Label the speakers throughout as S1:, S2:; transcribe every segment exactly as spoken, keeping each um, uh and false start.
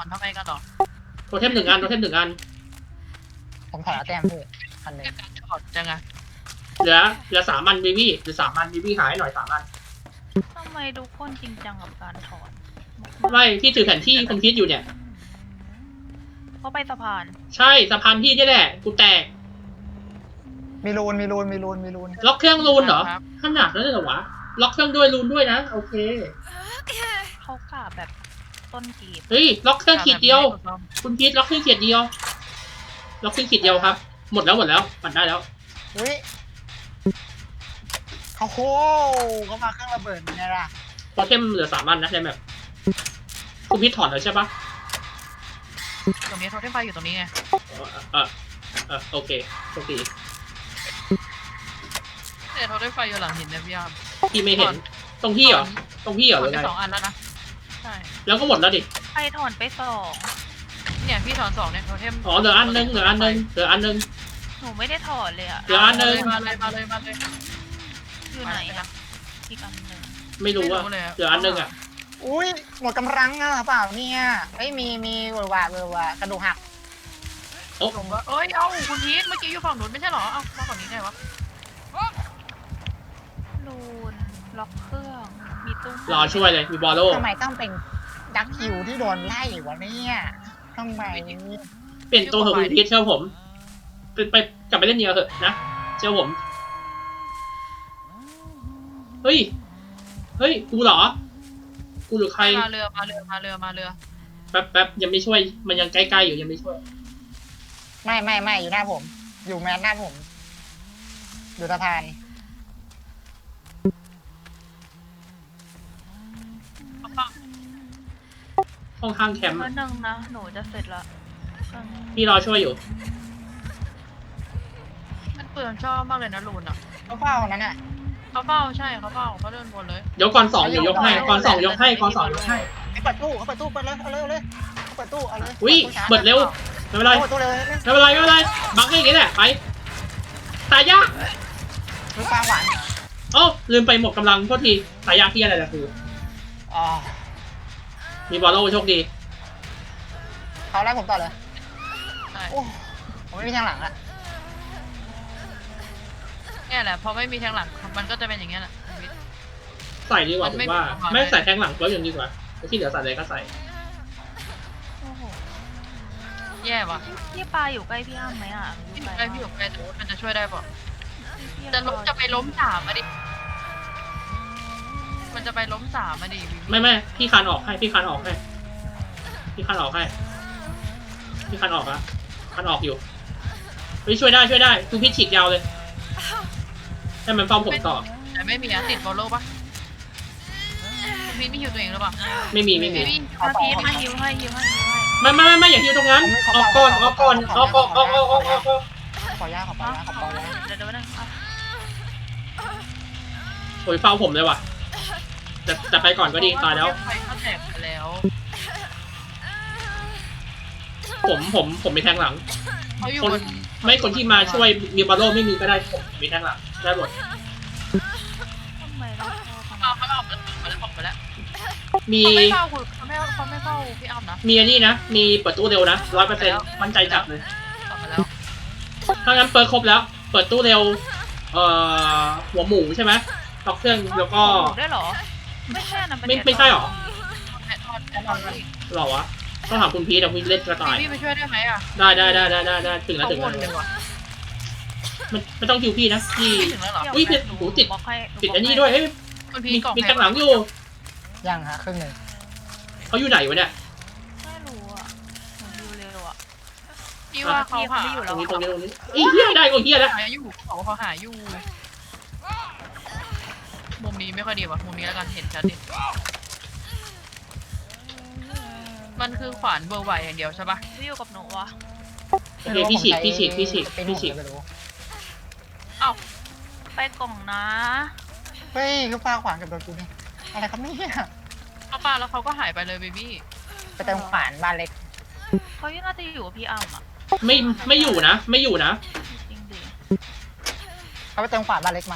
S1: อนทำไมกันหรอ
S2: โทเทมหนึ่งอันโทเทมหนึ่งอัน
S3: ผมถอนเอาแต้มพี่พันหนึ่ง
S1: ถอดจังไง
S2: เหลือเหลือสามอันบีบี้เหลือสามอันบีบี้หายหน่อยสามอัน
S4: ทำไมทุกคนจริงจังกับการถอน
S2: ไม่พี่ถือแผนที่คุณคิดอยู่เนี่ย
S4: เขาไปสะพาน
S2: ใช่สะพานพี่นี่แหละกูแตก
S3: มีรูนมีรูนมีรูนมีรูน
S2: ล็อกเครื่องรูนเหรอขนาดนั้นเลยเหรอวะล็อกเครื่องด้วยรูนด้วยนะโอเค
S4: เขากาแบบต้นกีบ
S2: เฮ้ยล็อกเครื่องขีดเดียวคุณคิดล็อกเครื่องขีดเดียวล็อกเครื่องขีดเดียวครับหมดแล้วหมดแล้วปัดได้แล้ว
S3: อุ้ยเขาโคเขามาเครื่องระเบิดเนี่ยล่ะ
S2: โทเทมเหลือสามอันนะในแมปคุณพิษถอนแล้วใช่ปะ
S1: ตรงนี้โทเทมไฟอยู่ตรงนี้ไง
S2: เออเออโอเคโอเค
S1: เนี่ยโทเทมไฟอยู่หลังหินเนี่ยพี่ยาม
S2: พี่ไม่เห็นตรงพี่เหรอตรงพี่เหรอ
S1: ถ
S2: ห
S1: อ
S2: รื
S1: น
S2: อ
S1: ไป
S2: ไง
S1: สองอันแล้วนะใช่
S2: แล้วก็หมดแล้วดิ
S4: ไปถอนไปสอง
S1: เนี่ยพี่ถอนสองเนี่ยโทเทม
S2: อ๋อเหลืออันนึงเหลืออันนึงเหลืออันนึง
S4: หนูไม่ได้ถอนเลยอะ
S2: เหลืออันนึง
S1: มาเลยมาเลยมาเลย
S4: อยู่ไหนอะอีกอันหนึ่ง
S2: ไม่รู้ว่าเหลืออันนึงอ่ะ
S3: อุ้ยหมดกำลังอ่ะเปล่าเนี่ยเอ้ยมีมีเวอร์วะเวอร์วะกระดูกหัก
S2: โอ้
S1: ผมว่าเอ้ยเอ้าคุณพีทเมื่อกี้อยู่ฝั่งนู้นไม่ใช่หรอเอ้ามาฝั่งนี้ไงวะ
S4: ลูนล็อกเครื่องมีตู้
S2: รอช่วยเลยมีบอลโล่
S3: ทำไมต้องเป็นดักคิวที่โดนไล่วะเนี่ยทำไม
S2: เปลี่ยนตัวเถอะคุณพิษเชื่อผมไปไปกลับไปเล่นเนียเถอะนะเชื่อผมเฮ้ยเฮ้ยกูเหรอกูหรือใคร
S1: มาเรือมาเรือมาเรือมาเรือ
S2: แป๊บแป๊บยังไม่ช่วยมันยังใกล้ๆอยู่ยังไม่ช่วย
S3: ไม่ไม่ไม่อยู่หน้าผม อยู่แมนหน้าผมอยู่สะพาน
S2: ห้องข้างแคมป์
S4: เมื่อนึงนะหนูจะเสร็จละเครื่อง
S2: พี่รอช่วยอยู่
S1: มันเปลืองชอบมากเลยนะลูนอ่ะ
S3: เขาเฝ้านั้นอ่ะ
S1: เขาเฝ้าใช่เขาเฝ้าเขาเดินวนเลย
S2: เดี๋ยวก่อนสองเดี๋ยวยกให้ก่อนสองยกให้ก่อนสองยกให้
S3: ไอ้เปิดตู้เขาเปิดตู้เปิดเลยเอาเลยเอาเลยเขาเปิดตู้เอาเลย
S2: อุ้ยเปิดเร็วไม่เป็นไร
S3: เปิดตู้เลย
S2: ไม่เป็นไรไม่เป็นไรบังก็อย่างนี้แหละไปตายยาก
S3: ลูกปลาหวาน
S2: เอ้าลืมไปหมดกำลังโทษทีตายยากที่อะไรล่ะคือ
S3: อ๋อ
S2: มีบอลโล่โชคดี
S3: เขาไล่ผมต่อเลย
S1: ใช่
S3: โอ้ผมไม่มีทางหลังอ่ะ
S1: เนี่ยแหละพอไม่มีแทงหลังมันก็จะเป็นอย่างเงี้ยแหละ
S2: ใส่ดีกว่า
S1: มัน
S2: ผ
S1: ไม่
S2: มว่า
S1: มีความ
S2: ไม่ใส่แทงหลังก็ยังดีกว่าแล้วที่เหลือใส่อะไรก็ใส่
S4: โอ้โห
S1: แย่ว่ะ
S4: พี่ปลาอยู่ใกล้พี่อ้ำไหมอะ
S1: พี่อยู่ใกล้พี่อยู่ใกล้แต่ว่ามันจะช่วยได้ป่ะ
S4: พี่
S1: จะล้มจะไปล้มสามมาดิมันจะไปล้มสามมาดิ
S2: ไม่ไม่พี่คันออกให้พี่คันออกให้พี่คันออกให้พี่คันออกอะคันออกอยู่เฮ้ยช่วยได้ช่วยได้คือพี่ฉีดยาวเลยให้มันเฝ้าผมต่อ
S1: แต่ไม่มีอะติดบอลโล่ปะพี่ไม่ฮิวตัวเองหรือเปล่า
S2: ไม่มีไม่มี
S1: พี่
S4: ถ้าพี่มาฮิวให้ฮิวให้ฮิวให้
S2: ไม่ไม่ไม่ไม่อย่าฮิวตรงนั้นออกก่อนออกก่อนออกออกออกออกออกออกออก
S3: ขอยาขอปลายาขอปลายา
S4: เดี๋ยวเดี๋ยวนึงอ่ะ
S2: โอ้ยเฝ้าผมเลยว่ะแต่แต่ไปก่อนก็ดีตายแล้ว
S1: ไฟเขาแตกไปแล้ว
S2: ผมผมผมมีแทงหลัง
S1: เขาอยู่
S2: คน
S1: บน
S2: ไม่คนที่มาช่วยมีบอลโล่ไม่มีก็ได้ผมมีแทงหลังได้หมด
S4: ทำไมเราพอข
S1: เอา
S4: นาด
S1: เขาเอาออกไปแล้วออกไปแล้ว
S2: มี
S1: เขาไม่เฝ้าคุณเขาไม่เขาไม่เฝ้าพี่อ้ำนะ
S2: มีอันนี้นะมีเปิดตู้เร็วนะร้อยเปอร์เซ็นต์มั่นใจจับเลย
S1: ออกไปแล้ว
S2: ถ้างั้นเปิดครบแล้ว เปิดตู้เร็วเอ่อหัวหมูใช่ไหมล็อกเครื่องแล้วก็
S4: หมูได้เหรอ ไม่ใช่นะน
S2: ไม่ไม่ใช่หรอ
S1: แอดออนแอดออนพี่
S2: หรอวะต้องถามคุณพีทแต่คุณเล่นกระต่าย
S1: พี่ไปช่วยได้ไหมอ่ะ
S2: ได้ได้ได้ได้ได้ได้ถึงแล้ว
S1: เขา
S2: ถึง
S1: ว
S2: แล้ว
S1: นเลยว่ะ
S2: ไม่ไม่ต้องคิวพี่นะพี่
S1: ไม่ถึงแล้วเหรอ
S2: อุ้ยผิด
S4: หนู
S2: หูติด
S4: บล็อกให้ห
S2: ปิด
S4: บล็
S2: อั
S4: ก
S2: นนี้
S4: ให้
S2: ด้วยเฮ้ย
S1: คุณพี
S2: มี
S1: กล่อง
S2: มี
S1: แพ
S2: แทงหลังอยู่
S3: ยังฮะครึ่งหนึ่ง
S2: เขาอยู่ไหนวะเนี่ย
S4: ไม่รู้อ่ะหนูดูเร็วอ่ะ
S1: พี่ว่าเขาหา
S4: ไม่อยู่
S2: ต
S4: แล้
S2: รง
S4: ว
S2: นี้ตรงนี้ตรงนี้ไอ้เหี้ยได้ก็เหี้ยแล้ว
S1: หาอยู่เขาเขาหาอยู่มุมนี้ไม่ค่อยดีว่ะมุมนี้แล้วกันเห็นชัดดิมันคือขวานเบอร์ไหวอย่างเดียวใช่ปะ
S4: พี่อยู่กับหนูวะ
S2: โอเคพี่ฉีกพี่ฉีกพี่ฉีกพี่ฉีก
S3: ไม่รู้
S1: เอ้า
S4: ไปกล่องนะ
S3: เฮ้ยคือปลาขวานกับโดนกูนี่อะไรครับเนี่ย
S1: เขาปาแล้วเขาก็หายไปเลยเบบี้
S3: ไปเติมขวานบ้านเล็ก
S4: เขายังน่าจะอยู่กับพี่อ้ำอ่ะ
S2: ไม่ไม่อยู่นะ ไม่อยู่นะ
S4: จริงดิ
S3: เขาไปเติมขวานบ้านเล็กมา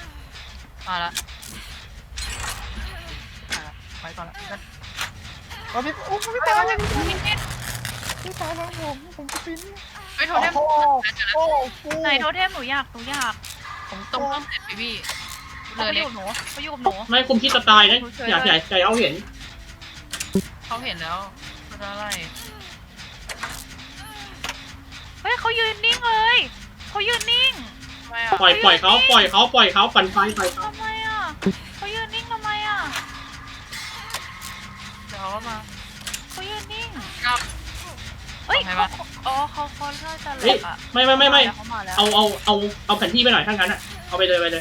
S1: มาละมาละไปก่อนละ
S3: ว่าพี่โอ้พี่ตายแล้วพี่ตายแล้วผมผมจะปีน
S1: ไปโทร
S3: โอ้
S1: เทม
S3: โหโอ้โห
S4: ไหนโทเทมหนูอยากหนูอยาก
S3: ผม
S1: ต
S3: ต
S1: รง
S3: ก
S1: ต้นเสร็จพี่พี่
S4: เขา
S1: เลย
S4: ไปอ
S1: เล็ก
S4: ยู่กับหนูเขาอยู่กับหนู
S2: ไม่คุมคิดจะตายนะอยากใหญ่ใจเอาเห็น
S1: เขาเห็นแล้วเขาจะอะไร
S4: เฮ้ยเขายืนนิ่งเลยเขายืนนิ่ง
S1: ทำไมอ่ะ
S2: ปล่อยปล่อยเขาปล่อยเขาปล่อยเขาปั่นไฟปล่อยเขา
S4: ทำไมอ่ะเขายืนนิ่งทำไมอ่ะ
S1: เดี๋ยวเขาก็มา
S4: เขายืนนิ่ง
S1: ครับ
S4: เฮ้ย
S1: ทำไม
S4: เขา
S1: วะ
S4: อ๋อเขาเขาน่าจะเห
S2: เฮ้
S4: ล็
S2: ย
S4: กอ่ะ
S2: ไม่ไม่ไม่ไม่
S4: เขามาแล้ว
S2: เอาเอาเอาเอาแผนที่ไปหน่อยถ้างั้นอ่ะเอาไปเลยไปเลย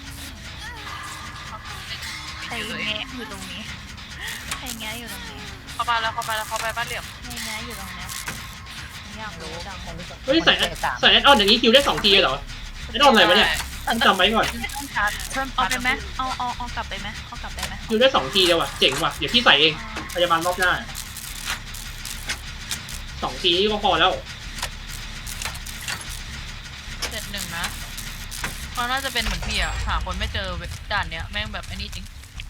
S4: ใครแงะอยู่ตรงนี้ใครแงะอยู่ตรงนี้
S1: เขามาแล้วเขาไปแล้วเขาไปบ้านเหลี่ยม
S4: ใครแงะอยู่ตรงเนี้ยผมอยากรู้จัง
S2: เฮ้ยใส่ใส่แอดออนอย่างนี้คิวได้สองทีเหรอแอดออนอะไรวะเนี่ยต้องจำไว้ก่อน
S1: ไม่ต้องชาร์จ
S4: เอาไปไหมเอาเอาเอากลับไปไหมเอากลับไปไหม
S2: คิวได้สองทีเดียวอ่ะเจ๋งว่ะเดี๋ยวพี่ใส่เองพยาบาลรอบหน้าสองทีก็พอแล้ว
S1: เสร็จหนึ่งนะเขาน่าจะเป็นเหมือนพี่อ่ะหาคนไม่เจอด่านเนี้ยแม่งแบบไอ้นี่จริง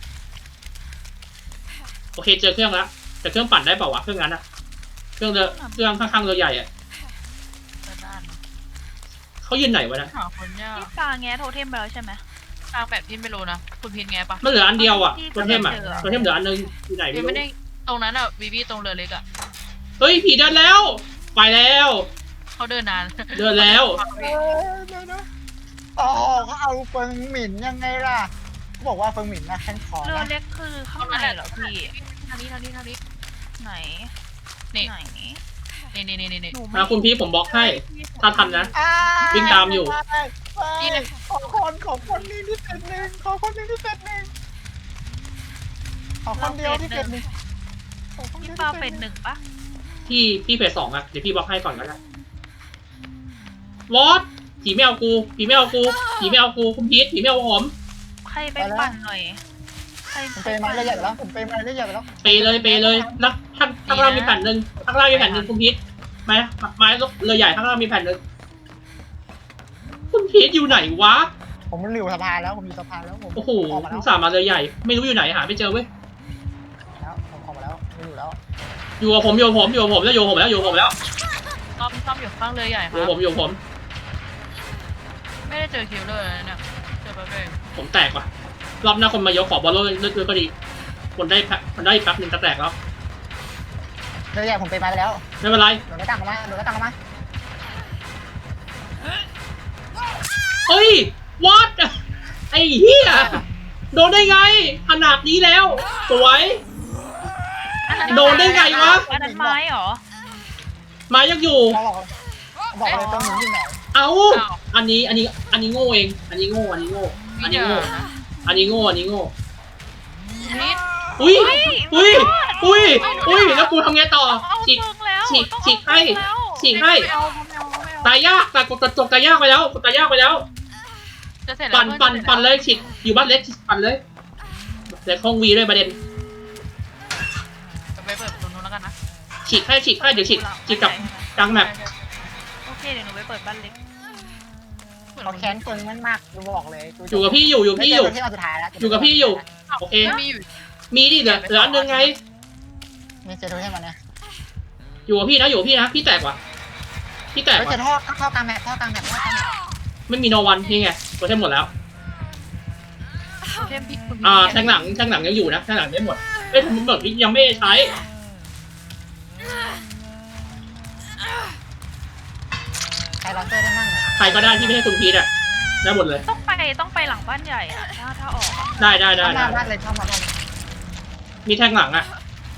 S2: โอเคเจอเครื่องแล้วแต่เครื่องปั่นได้เปล่าวะเครื่องนั้นอะเครื่องเรือเครื่องข้างๆเรือใหญ่อะ
S1: เจอด้าน
S2: เขายืนไหนวะนะ
S1: หาคนยาก
S4: พี่ปาแงะโทเทมไปแล้วใช่ไหม
S1: ทางแบบพี่ไม่รู้นะคุณพินไงปะ
S2: มันเหลืออันเดียวอะ
S4: ที่
S2: ตัวเทมอะ
S4: ที่เจอ
S2: ตัวเทมเหลืออันนึงอยู่ไหน
S1: พี่
S2: ไม่
S1: ไม่
S2: รู้
S1: ได้ตรงนั้นอ่ะวีวีตรงเรือเล็กอ่ะ
S2: เฮ้ยผีเดินแล้ว ไปแล้ว
S1: เขาเดินนาน
S2: เดินแล้ว
S3: เออเดี๋ยวนะอ๋อเขาเอาเฟิงหมิ่นยังไงล่ะเขาบอกว่าเฟิงหมิ่นนะแค่ขอ
S4: เรือ
S3: นะ
S4: เล็กคือข้างในเหรอพี่
S1: ทางนี้ทางนี้ทางนี้
S4: ไหน
S1: นี่
S4: ไหน
S1: นี่นี่นี่นี่
S4: หนูไม่
S2: มาคุณพี่ผมบล็อกให้ ถ้าทันนะ
S3: อ่า
S2: วิ่งตามอยู่
S3: ไปไปขอคนขอคนนี้ที่เป็นหนึ่งขอคนนี้ที่เป็นหนึ่งขอคนเดียวที่เป็นหนึ่งขอคนเดี
S4: พี่
S3: ยว
S4: ปา
S3: ที่
S4: เป็น
S3: ห
S4: ห
S3: นึ่ง
S4: นึ่งปะ
S2: พี่พี่เพจสองอะเดี๋ยวพี่บล็อกให้ก่อนก็ได้วอตผีไม่เอากูผีไม่เอากูผีไม่เอากูคุณพีทผีไม่เอาผม
S4: ใครไปปั่นหน่อยใคร
S3: ผมไปมาเรื่อยๆแล้วผมไปมาเรื่อยๆแล้ว
S2: เปเลยเปเลยแล้วข้างข้างล่างมีแผ่นหนึ่งข้างล่างมีแผ่นหนึ่งคุณพีทไม้ไม้เรือใหญ่ข้างล่างมีแผ่นหนึ่งคุณพีทอยู่ไหนวะ
S3: ผมอยู่สะพานแล้วผมอยู่สะพานแล้วผม
S2: โอ้โห
S3: ออกมาแล้ว
S2: สามมาเรือใหญ่ ไม่รู้อยู่ไหนหาไม่เจอเว้ย
S3: แล้วผมออกมาแล้วไม่อยู่แล้ว
S2: อยู่กับผมอยู่กับผมอยู่กับผมแล้วอยู่กับผมแล้วอยู่กับผมแล้ว
S1: ซ่อมซ่อมอยู่ข้างเรือใหญ่ค
S2: อยู่
S1: รั
S2: กับบ ผมอยู่กับผม
S1: ไม่ได้เจอคิวเลอร์เลยเนี่ยเจอแป๊บเดียว
S2: ผมแตกว่ะรอบหน้าคนมายกขอบอลโลกเลือดก็ดีคนได้แป๊บคนได้แป๊บหนึ่งจะแตกแล้ว
S3: เรื่อยๆผมไปมาแล้ว
S2: ไม่เป็นไร
S3: โดนกระตังออกมาโดนกระตังออกมา
S2: เฮ้ย what ไอ้เหี้ยโดนได้ไงขนาดนี้แล้วสวย
S4: อันนั้น
S2: โดนได้ไงวะ
S4: อันนั้นไม้เหรอ
S2: มายังอยู่
S3: เขาบอกบอกเลยต้องหนีอยู่ไหน
S2: เอ้าอันนี้อันนี้อันนี้โง่เอง อันนี้โง่อันนี้โง่อัน
S1: เดี๋
S2: นี้
S1: ยว
S2: โง่
S1: นะ
S2: อันนี้โง่อันนี้โง่
S1: พีท
S2: อุ้ยอุ้ยอุ้ยอุ้ยแล้วกูทำไงต่อ
S4: เอา
S2: ฉีก
S4: เฟิงแล้ว
S2: ฉีก
S4: ต้อง
S2: ฉีกให้
S4: เอาเฟิงแล้ว
S2: ฉีกให้
S1: ไม่เอาไม่เอาไม่เอา
S2: ตายยากแต่กดตกตายยากไปแล้วกดตายยากไปแล้ว
S1: จะเสร็จแล้ว
S2: ปั่นปั่นปั่นเลยฉีดอยู่บ้านเล็กปั่นเลยเล็กห้องวีด้วยประเด็น
S1: จะไปเปิดประตูนู้นแล้วกันนะ
S2: ฉีดให้ฉีดให้เดี๋ยวฉีดฉีดกับกลางแมป
S4: โอเคเดี๋ยวหนูไปเปิดบ้านเล็ก
S3: เขาแค้นเฟิงมันมากกูบอกเลย
S2: อยู่กับพี่อยู่อยู่พี่อยู่
S3: ที่เราสุดท้ายแล้ว
S2: อยู่กับพี่อยู่ โอเค
S1: มีอยู่
S2: มีดิเหลือเหลืออันนึงไง
S3: มีเจอตัวใช่ไหมเนี่ย
S2: อยู่กับพี่นะอยู่กับพี่นะพี่แตกว่ะพี่แตก
S3: เฮ้ยเจ
S2: ว่ะ
S3: อท่อท่อกลางแมปท่อกลางแมปท่อกลางแมป
S2: ไม่มีโนวันนี่ไงตัวเทมหมดแล้ว
S1: เทมพี่คุณ
S2: อ่าแทงหลังแทงหลังยังอยู่นะแทงหลังไม่หมดเอ้ยทำหมดยังไม่ได้ใช้
S3: ใครลองเจอได้มั่ง
S2: ใครก็ได้ที่ไม่ใช่คุณพีทอ่ะได้หมดเลย
S4: ต้องไปต้องไปหลังบ้านใหญ่อะถ้าถ้าออกอะ
S2: ได้ได้ได้
S3: เข้า
S2: ได้
S3: มาบ้านเลยเข้ามาบ้านเลย
S2: มีแทงหลังอ่ะ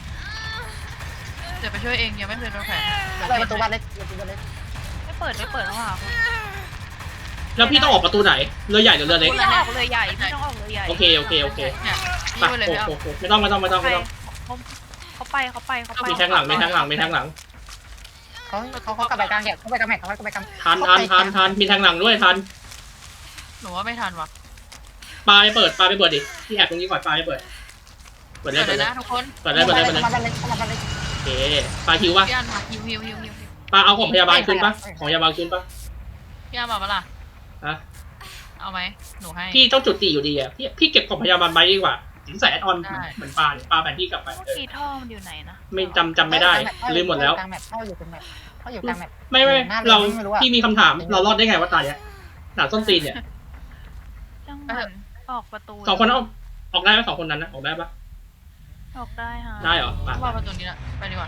S1: เดี๋ยวไปช่วยเองยังไม่เคยโดนแผล
S3: เปิดประตูบ้านเล็กประตูบ้านเล็ก
S4: ไม่เปิดไม่เปิดแล้วค่ะคุณ
S2: แล้วพี่ต้องออกประตูไหนเรือใหญ่หรือเรือเล็ก
S4: พี่ต้องออกเลยใหญ่พี่ต้องออกเลยใหญ่
S2: โอเคโอเคโอเค
S1: เนี่ย
S2: ไป
S1: นี่ไปเลย
S2: โอ้
S1: ไม่เอา
S2: โหไม่ต้องไม่ต้องไม่ต้อง
S4: ไป
S2: ไม่ต้อง
S4: เขาเขาไปเขาไปเขาไป
S2: มีแทงหลังมีแทงหลังมีแทงหลัง
S3: เขาเขาเขากลับไปกลางแมปเขาไปกลางแมปเขาไปกลาง
S2: ทันทันทันทันมีแทงหลังด้วยทัน
S1: หนูว่าไม่ทันว่ะ
S2: ปลาไปเปิดปลาไปเปิดดิที่แอบตรงนี้ก่อนปลาไปเปิดเปิดเล
S1: เปิ
S2: ย
S1: ด
S2: เปิ
S1: เล
S2: ด
S1: ย
S2: เลย
S1: นะทุกคน
S2: เปิดเลยเปิดเลยเปิดเลย
S3: เข้ามาบ้านเล็กเข้ามาบ้านเล็ก
S2: โอเคปลาหิวป่ะ
S1: พี่อันมาฮิวฮิวฮิวฮิวฮิว
S2: ปลาเอาของพยาบาลคืนป่ะของพยาบาลคืนป่ะ
S1: พี่อันมาปะล่ะ
S2: ฮะ
S1: เอาไหมหนูให้
S2: พี่ต้องจุดตีอยู่ดีอ่ะพี่พี่เก็บของพยาบาลไว้ดีกว่าถึงใส่แอดออนเหมือนปลาเนี่ยปลาแผนที่กลับไป
S4: เมื่อ
S2: เออ
S4: กี้ท่อมันอยู่ไหนนะ
S2: ไม่จำจำไม่ได้ลืมหมดแล้ว
S3: กลางแมปเข้าอยู่ตรงแมปเข้าอยู่กลางแมป
S2: ไม่ไม่
S3: หน้า
S2: เรา
S3: ไม่รู้อะ
S2: พี่มีคำถามเรารอดได้ไงว่าตาเนี้ยหนาส้นตีนเนี่ย
S4: จังหมันออกประตู
S2: สองคนเอาออกได้ไหมสองคนนั้นนะออกได้ปะ
S4: ออกได้ฮะ
S2: ได้เหรอไป
S1: ว่าประตูนี้ละไปดีกว่า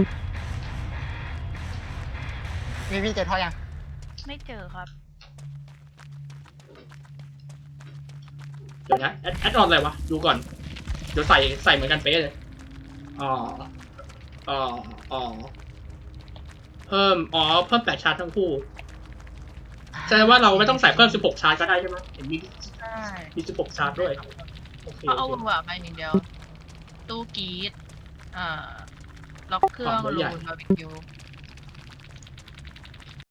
S3: วีวีเจอท่อยัง
S4: ไม่เจอครับ
S2: เดี๋ยวนะแอดแอดออนอะไรวะดูก่อนเดี๋ยวใส่ใส่เหมือนกันเป๊ะเลยอ๋ออ๋ออ๋อเพิ่มอ๋อเพิ่มแปดชาร์จทั้งคู่แสดงว่าเราไม่ต้องใส่เพิ่มสิบหกชาร์จก็ได้ใช่ไหมเห็นมี
S1: ใช่
S2: มีสิบหกชาร์จด้วยโอเค
S1: เขาเอา
S2: โอ
S1: ว
S2: เค
S1: งว่ะไปอย่างเดียว ตู้กรีดอ่าล็อกเครื่อง
S2: ของ
S1: รู
S2: ใหญ่
S1: นบาร์บีคิว